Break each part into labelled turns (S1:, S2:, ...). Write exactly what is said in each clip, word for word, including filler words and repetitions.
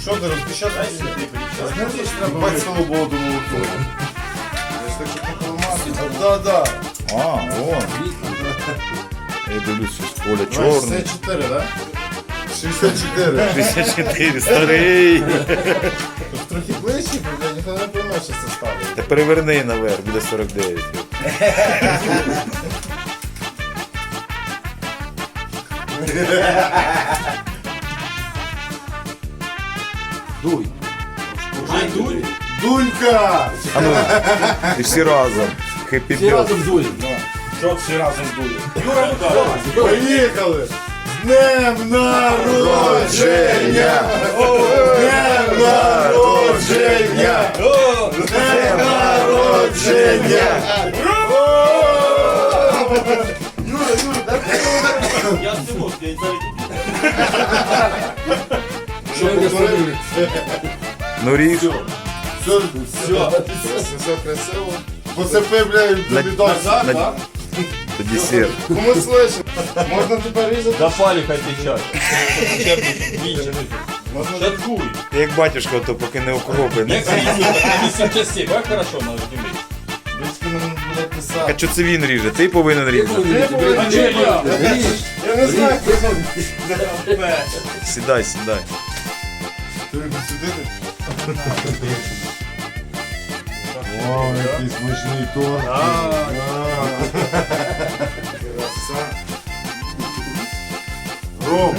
S1: Що ти розпечатай? Знаєш, треба бать свободу молоко. Так, щоб не поламати. Да, да.
S2: А, вон. Я дивлюсь, що з поля чорне.
S1: шістдесят чотири, так? шістдесят чотири.
S2: шістдесят чотири, старий.
S1: Трохи ближче, бо ніхто не пойме, що це ставить.
S2: Та переверни наверх, буде сорок дев'ять.
S3: Дуй. Уже дуй?
S1: Дунька!
S2: А ну, і всі разом. Хеппі
S3: Всі
S2: бьот.
S3: разом дуємо.
S1: Що всі разом дує? Поїхали! З днем народження! З днем народження! З днем народження! Юра, Юра, дай мені.
S4: Я не можу, я зараз
S1: Що повторили?
S2: Ну ріж.
S1: Все, все, все красиво. Поцепи, блядь,
S2: На-
S1: тобі назад,
S2: на-
S1: так?
S2: Це десерт.
S1: Кому слышно? Можна тепер різати?
S4: до палі хай течать.
S1: Можна
S4: Шаткуй.
S2: Ти як батюшка, то поки не окропи.
S4: Як різати на вісім частей, як хорошо на землі.
S1: Дочки мене буде
S2: А
S1: писати.
S2: що це він ріже? Ти повинен різати.
S4: А чи я?
S1: Я не знаю, хто там.
S2: Сідай, сідай.
S1: Ти не сидити? О, який смачний торт. Краса. Ром.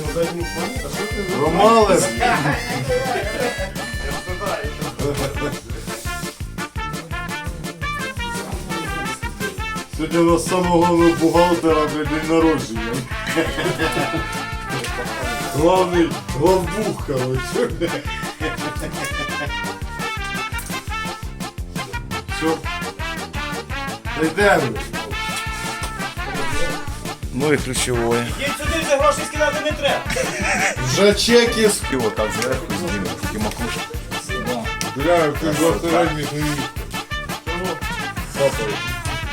S1: Ромалес. Сьогодні у нас самого головного бухгалтера для день народження. Главний главбух, короче. Все. Йдемо.
S2: Ну і ключове.
S4: Їдь сюди, вже гроші скидати не треба.
S1: Вже чеки з...
S2: І отак зверху зніме, тільки макушка.
S1: Бля, ти двадцятиральник не їх. Папа.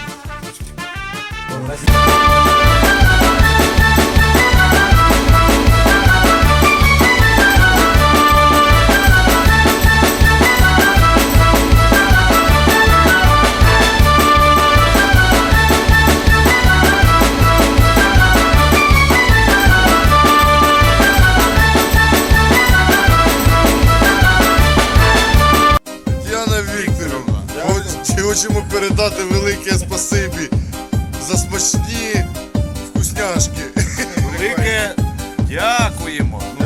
S1: Діана Вікторівна, хоч- хочемо передати велике спасибі за смачні вкусняшки.
S2: Велике дякуємо.